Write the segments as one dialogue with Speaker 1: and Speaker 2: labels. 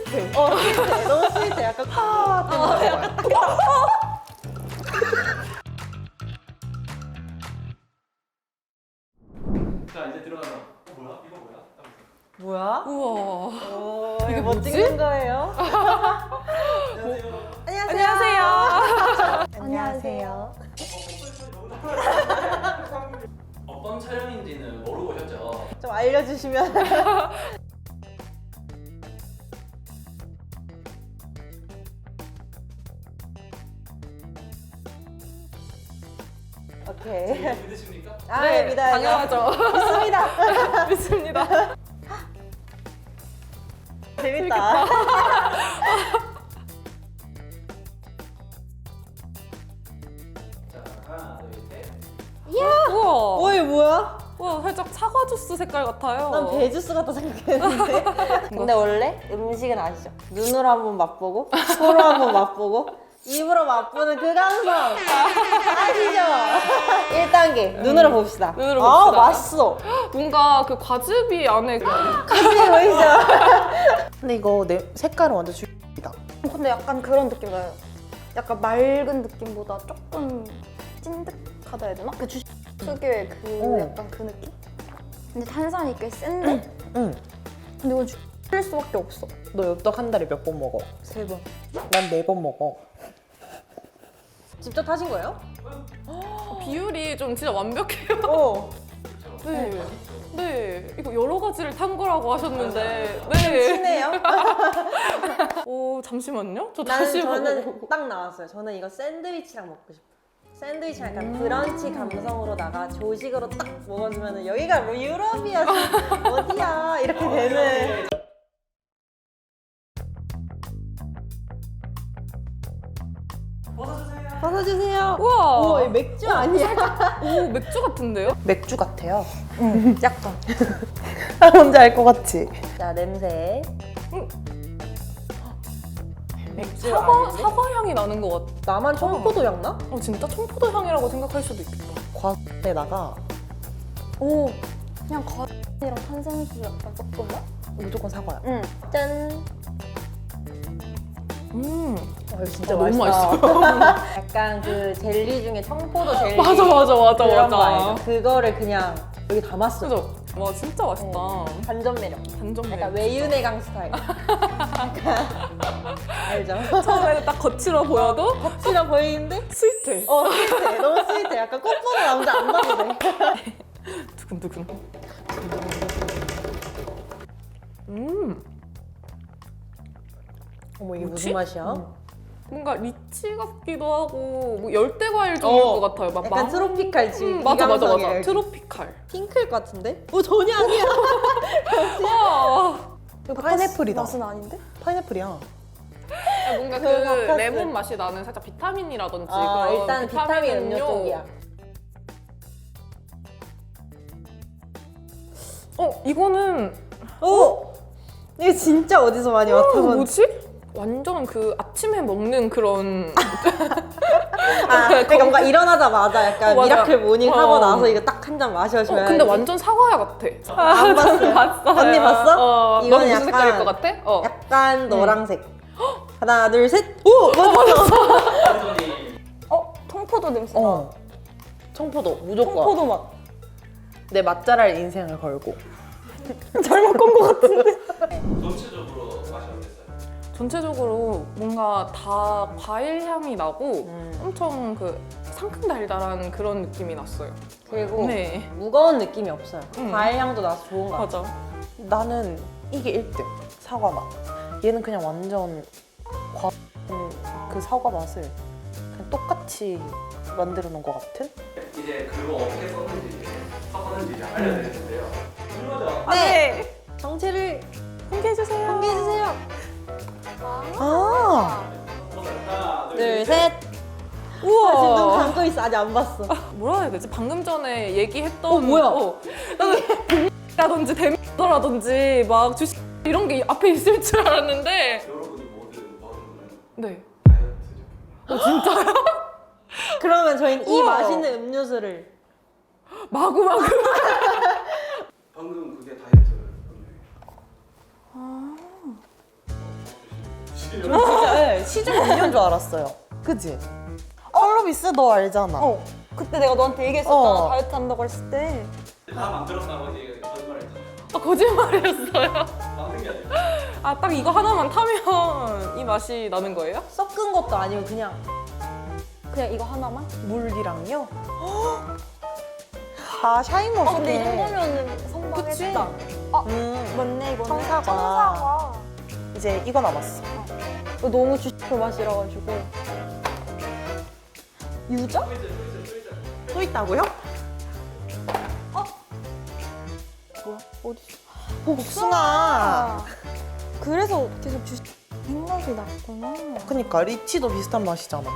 Speaker 1: 스위트.
Speaker 2: 스위트해. 너무 스위트해. 약간
Speaker 3: 자 이제 들어가서 뭐야? 이거 뭐야?
Speaker 2: 뭐야?
Speaker 1: 우와.
Speaker 2: 이게 뭐
Speaker 1: 뭐지?
Speaker 2: 찍는 거예요?
Speaker 1: 안녕하세요.
Speaker 2: 안녕하세요.
Speaker 3: 어떤 촬영인지는 모르고 오셨죠?
Speaker 2: 좀 알려주시면. 오케이.
Speaker 3: 믿으십니까?
Speaker 2: 아,
Speaker 1: 네,
Speaker 2: 믿어요.
Speaker 1: 당연하죠.
Speaker 2: 믿습니다.
Speaker 1: 믿습니다.
Speaker 2: 재밌다.
Speaker 3: 자 하나 둘 셋.
Speaker 1: 우와.
Speaker 2: 어이 뭐야?
Speaker 1: 우와, 살짝 사과 주스 색깔 같아요.
Speaker 2: 난 배주스 같다 생각했는데. 근데 원래 음식은 아시죠? 눈으로 한번 맛보고, 코로 한번 맛보고, 입으로 맛보는 그 감성 아시죠? 1단계 눈으로 봅시다.
Speaker 1: 눈으로
Speaker 2: 아
Speaker 1: 봅시다.
Speaker 2: 맛있어.
Speaker 1: 뭔가 그 과즙이 안에
Speaker 2: 같이 보이죠?
Speaker 4: 근데 이거 내 색깔은 완전 죽이다.
Speaker 5: 근데 약간 그런 느낌 나요. 약간 맑은 느낌보다 조금 찐득하다 해야 되나? 그 주식 특유의 그 약간 그 느낌? 근데 탄산이 꽤 센데?
Speaker 4: 응.
Speaker 5: 근데 이건 줄 수밖에 없어.
Speaker 4: 너 엽떡 한 달에 몇 번 먹어?
Speaker 2: 3번.
Speaker 4: 난 4번 먹어.
Speaker 2: 직접 타신 거예요?
Speaker 1: 비율이 좀 진짜 완벽해요.
Speaker 2: 어.
Speaker 1: 네. 네. 이거 여러 가지를 탄 거라고 하셨는데. 네.
Speaker 2: 친해요?
Speaker 1: 오, 잠시만요. 저
Speaker 2: 나는
Speaker 1: 다시
Speaker 2: 저는
Speaker 1: 보고.
Speaker 2: 딱 나왔어요. 저는 이거 샌드위치랑 먹고 싶어. 샌드위치랑 약간 브런치 감성으로다가 조식으로 딱 먹어주면 여기가 뭐 유럽이야 어디야 이렇게 되는. 벗어주세요.
Speaker 1: 우와.
Speaker 2: 우와, 이 맥주 아니야?
Speaker 1: 오, 맥주 같은데요?
Speaker 4: 맥주 같아요.
Speaker 2: 약간.
Speaker 4: 뭔지 알 것 같지?
Speaker 2: 자, 냄새. 맥주
Speaker 1: 사과 향이 나는 것 같아.
Speaker 2: 나만 청포도 향 나?
Speaker 1: 진짜 청포도 향이라고 생각할 수도 있겠다.
Speaker 4: 과에다가
Speaker 5: 오, 그냥 과이랑 탄산수 약간 섞은 맛?
Speaker 4: 무조건 사과야.
Speaker 5: 응.
Speaker 2: 짠.
Speaker 4: 이거 진짜
Speaker 1: 너무
Speaker 4: 맛있다.
Speaker 2: 약간 그 젤리 중에 청포도 젤리.
Speaker 1: 맞아.
Speaker 2: 그런 거 알죠? 그거를 그냥 여기 담았어.
Speaker 1: 그죠? 와, 진짜 맛있다.
Speaker 2: 반전 매력.
Speaker 1: 반전
Speaker 2: 약간
Speaker 1: 매력.
Speaker 2: 외유내강 스타일. 약간 알죠?
Speaker 1: 처음에는 딱 거칠어 보여도
Speaker 2: 싫어 보이는데?
Speaker 1: 스위트해.
Speaker 2: 스윗해. 너무 스윗해. 약간 꽃 보는 남자 안 봐도 돼.
Speaker 1: 두근두근.
Speaker 4: 어머 이게
Speaker 2: 무슨 맛이야?
Speaker 1: 뭔가 리치 같기도 하고 뭐 열대 과일 종류일 것 같아요. 막
Speaker 2: 약간
Speaker 1: 망-
Speaker 2: 트로피칼 지금
Speaker 1: 맞아.
Speaker 2: 이감성이에요.
Speaker 1: 트로피칼.
Speaker 2: 핑클 같은데? 전혀 아니야.
Speaker 1: 와.
Speaker 4: 이거 파인애플이다.
Speaker 5: 맛은 아닌데?
Speaker 4: 파인애플이야.
Speaker 1: 뭔가 그
Speaker 2: 바카스.
Speaker 1: 레몬 맛이 나는 살짝 비타민이라든지
Speaker 2: 아,
Speaker 1: 그런
Speaker 2: 일단 비타민 음료 쪽이야.
Speaker 1: 이거는
Speaker 2: 오! 이거 진짜 어디서 많이 맡아본.
Speaker 1: 뭐지? 완전 그 아침에 먹는 그런
Speaker 2: 그러니까 뭔가 일어나자마자 약간
Speaker 1: 맞아.
Speaker 2: 미라클 모닝 하고
Speaker 1: 어.
Speaker 2: 나서 이거 딱 한 잔 마셔줘야지.
Speaker 1: 근데 완전 사과야 같아.
Speaker 2: 안 봤어요.
Speaker 1: 봤어요.
Speaker 2: 언니 봤어?
Speaker 1: 너는
Speaker 2: 이거는
Speaker 1: 무슨
Speaker 2: 약간-
Speaker 1: 색깔일 것 같아?
Speaker 2: 약간 노란색. 하나, 둘, 셋. 오! 맞았어.
Speaker 5: 통포도 냄새 나.
Speaker 4: 어. 청포도 무조건.
Speaker 5: 통포도 맛.
Speaker 4: 내 맛잘알 인생을 걸고.
Speaker 3: 전체적으로 맛이 어땠어요?
Speaker 1: 전체적으로 뭔가 다 과일 향이 나고 엄청 그 상큼 달달한 그런 느낌이 났어요.
Speaker 2: 그리고
Speaker 1: 네.
Speaker 2: 무거운 느낌이 없어요.
Speaker 1: 응.
Speaker 2: 과일 향도 나서 좋은 것 같아.
Speaker 1: 맞아.
Speaker 4: 나는 이게 1등. 사과 맛. 얘는 그냥 완전 그 사과 맛을 그냥 똑같이 만들어 놓은 것 같은?
Speaker 3: 이제 그거 어떻게 썼는지 섞었는지 알려드릴 텐데요. 이거죠?
Speaker 2: 네. 정체를
Speaker 1: 공개해주세요.
Speaker 2: 공개해주세요.
Speaker 4: 아.
Speaker 3: 하나
Speaker 2: 둘, 셋.
Speaker 1: 우와.
Speaker 2: 지금 눈 감고 있어. 아직 안 봤어.
Speaker 1: 뭐라 해야 되지? 방금 전에 얘기했던
Speaker 2: 뭐야?
Speaker 1: 나는 라든지 데미라든지 막 주식 이런 게 앞에 있을 줄 알았는데
Speaker 3: 여러분이 모든 버릇은
Speaker 1: 네.
Speaker 3: 다이어트
Speaker 2: 그러면 저희는 이
Speaker 1: 우와.
Speaker 2: 맛있는 음료수를
Speaker 1: 마구마구
Speaker 3: 방금 그게 다이어트 음료예요. 지금.
Speaker 4: 저 진짜 네, 시중 음료인 줄 알았어요. 그지? 컬러비스 너 알잖아.
Speaker 5: 어 그때 내가 너한테 얘기했었잖아
Speaker 4: 어.
Speaker 5: 다이어트 한다고 했을 때
Speaker 3: 다 만들었다고 이제 거짓말했잖아요.
Speaker 1: 거짓말이었어요.
Speaker 3: 만든 게 아니라.
Speaker 1: 아, 딱 이거 하나만 타면 이 맛이 나는 거예요?
Speaker 2: 섞은 것도 아니고 그냥
Speaker 5: 그냥 이거 하나만?
Speaker 4: 물이랑요? 아 샤인머스켓.
Speaker 5: 근데 이 정도면은 선방했다. 맞네 이거는.
Speaker 4: 청사과.
Speaker 5: 청사과.
Speaker 4: 이제 이거 남았어.
Speaker 5: 이거 너무 주식표 맛이라 가지고. 유자?
Speaker 4: 또 있다고요?
Speaker 5: 어디?
Speaker 4: 복숭아.
Speaker 5: 그래서 계속 주식 생각이 났구나.
Speaker 4: 그니까 리치도 비슷한 맛이잖아.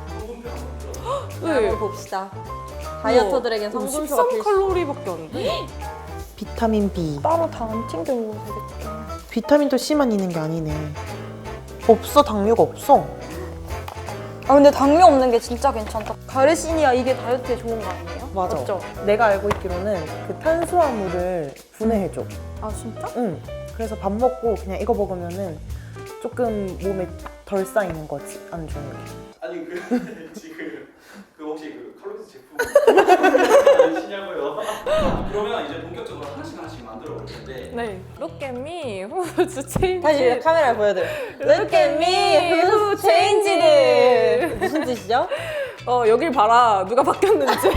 Speaker 1: 네.
Speaker 2: 한번 봅시다. 다이어터들에겐 성분표가 필수.
Speaker 1: 13칼로리밖에 안 돼.
Speaker 4: 비타민 B.
Speaker 5: 따로 다 안 챙겨 먹어도 되겠다.
Speaker 4: 비타민도 C만 있는 게 아니네. 없어, 당류가 없어.
Speaker 5: 아 근데 당뇨 없는 게 진짜 괜찮다. 가르시니아 이게 다이어트에 좋은 거 아니에요?
Speaker 4: 맞아.
Speaker 5: 맞죠?
Speaker 4: 내가 알고 있기로는 그 탄수화물을 분해해줘.
Speaker 5: 아 진짜?
Speaker 4: 응. 그래서 밥 먹고 그냥 이거 먹으면은 조금 몸에 덜 쌓이는 거지, 안 좋은 게.
Speaker 3: 아니 그 지금 그 혹시 그 칼로리스 제품 아시냐고요? 그러면 이제 본격적으로 하나씩 만들어 볼 텐데.
Speaker 1: 네. Look at me, who's changed?
Speaker 2: 다시 카메라에 보여드려. Look at me, who changed it? 무슨 뜻이죠?
Speaker 1: 여길 봐라. 누가 바뀌었는지.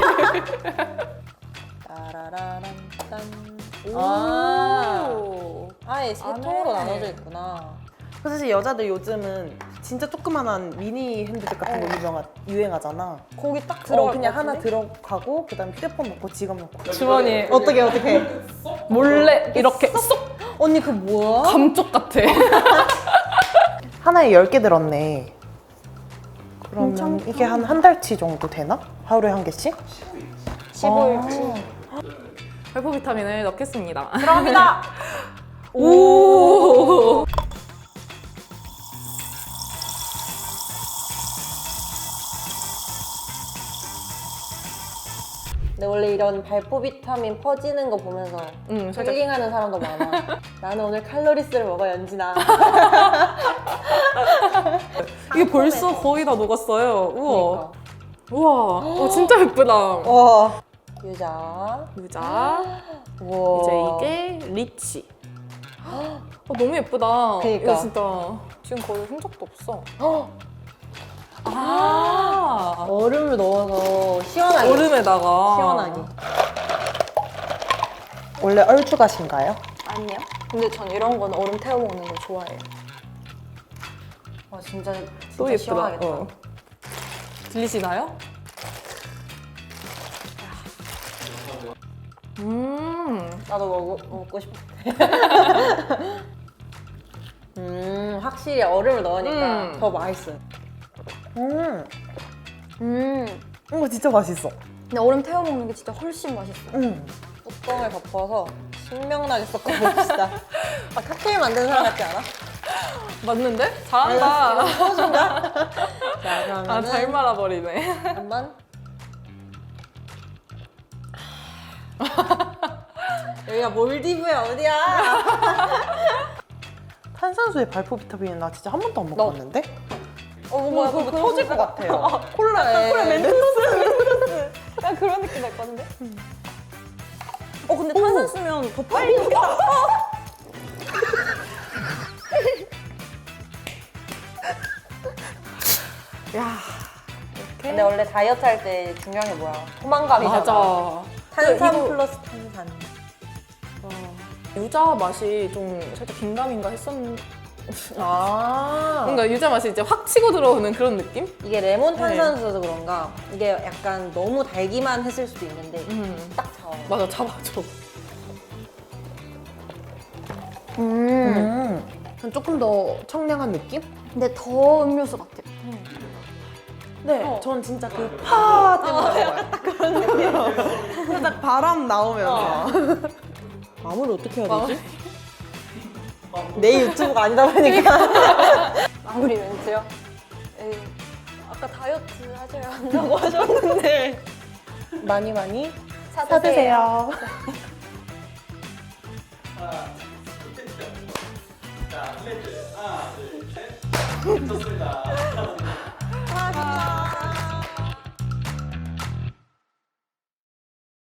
Speaker 2: 따라라란 딴.
Speaker 1: 오.
Speaker 2: 아예 세
Speaker 1: 안
Speaker 2: 통으로
Speaker 1: 해.
Speaker 2: 나눠져 있구나.
Speaker 4: 그래서 사실 여자들 요즘은 진짜 조그만한 미니 핸드백 같은 거 유행하잖아.
Speaker 5: 거기 딱 들어갈
Speaker 4: 그냥
Speaker 5: 것
Speaker 4: 하나
Speaker 5: 같은데?
Speaker 4: 들어가고 그다음에 휴대폰 넣고 지갑 넣고.
Speaker 1: 주머니에
Speaker 4: 어떻게?
Speaker 1: 몰래 이렇게 쏙
Speaker 2: 언니 그 뭐야?
Speaker 1: 감쪽 같아.
Speaker 4: 하나에 10개 들었네. 그러면
Speaker 5: 괜찮다.
Speaker 4: 이게 한 달치 정도 되나? 하루에 한 개씩?
Speaker 5: 15일치.
Speaker 1: 발포 비타민을 넣겠습니다.
Speaker 2: 들어갑니다.
Speaker 1: 오.
Speaker 2: 근데 원래 이런 발포 비타민 퍼지는 거 보면서
Speaker 1: 살짝
Speaker 2: 힐링하는 사람도 많아. 나는 오늘 칼로리스를 먹어 연진아.
Speaker 1: 이게 벌써 거의 다 녹았어요. 우와.
Speaker 2: 그러니까.
Speaker 1: 우와. 진짜 예쁘다.
Speaker 2: 와. 유자.
Speaker 1: 유자.
Speaker 2: 우와.
Speaker 1: 이제 이게 리치. 너무 예쁘다.
Speaker 2: 그니까.
Speaker 1: 이거 진짜 지금 거의 흔적도 없어. 아.
Speaker 2: 얼음을 넣어서 시원하게.
Speaker 1: 얼음에다가.
Speaker 2: 시원하게.
Speaker 4: 원래 얼추가신가요?
Speaker 5: 아니요. 근데 전 이런 건 얼음 태워 먹는 거 좋아해요.
Speaker 2: 와 진짜
Speaker 1: 또
Speaker 2: 진짜
Speaker 1: 예쁘다.
Speaker 2: 시원하겠다.
Speaker 1: 들리시나요?
Speaker 2: 나도 먹고 싶어. 확실히 얼음을 넣으니까 더 맛있어요.
Speaker 4: 이거 진짜 맛있어.
Speaker 5: 근데 얼음 태워 먹는 게 진짜 훨씬 맛있어요.
Speaker 2: 뚜껑을 덮어서 신명나게 섞어봅시다. 아, 칵테일 만드는 사람 같지 않아?
Speaker 1: 맞는데? 잘한다.
Speaker 2: 소주인가? 자
Speaker 1: 아,
Speaker 2: 그러면은
Speaker 1: 잘 말아버리네.
Speaker 2: 한번 여기가 몰디브야 어디야?
Speaker 4: 탄산수에 발포 비타민은 나 진짜 한 번도 안 먹어봤는데?
Speaker 2: 뭔가
Speaker 4: 그거 터질 것 같아요.
Speaker 2: 콜라에
Speaker 5: 약간 그런 느낌 날 것 같은데? 근데 탄산 쓰면 더 빨리 녹겠다.
Speaker 1: 야.
Speaker 2: 근데 원래 다이어트 할 때 중요한 게 뭐야? 포만감이잖아.
Speaker 1: 맞아.
Speaker 2: 탄산
Speaker 1: 이거-
Speaker 2: 플러스 탄산.
Speaker 1: 유자 맛이 좀 살짝 긴가민가 했었는데.
Speaker 2: 아
Speaker 1: 뭔가 유자 맛이 이제 확 치고 들어오는 그런 느낌?
Speaker 2: 이게 레몬 탄산수여서 그런가 이게 약간 너무 달기만 했을 수도 있는데 딱 잡아.
Speaker 1: 맞아, 잡아줘.
Speaker 4: 조금 더 청량한 느낌?
Speaker 5: 근데 더 음료수 같아요.
Speaker 4: 네, 전 진짜 그 파 때문에 먹어요. 딱 그런 느낌. 살짝 바람 나오면서. 마무리 어떻게 해야 되지? 내 유튜브가 아니다 보니까.
Speaker 5: 마무리 멘트요? 에이, 아까 다이어트 하셔야 한다고 하셨는데.
Speaker 4: 많이
Speaker 5: 사드세요.
Speaker 4: 사드세요.
Speaker 3: 하나, 자, 플레이트. 하나, 둘, 셋. 좋습니다.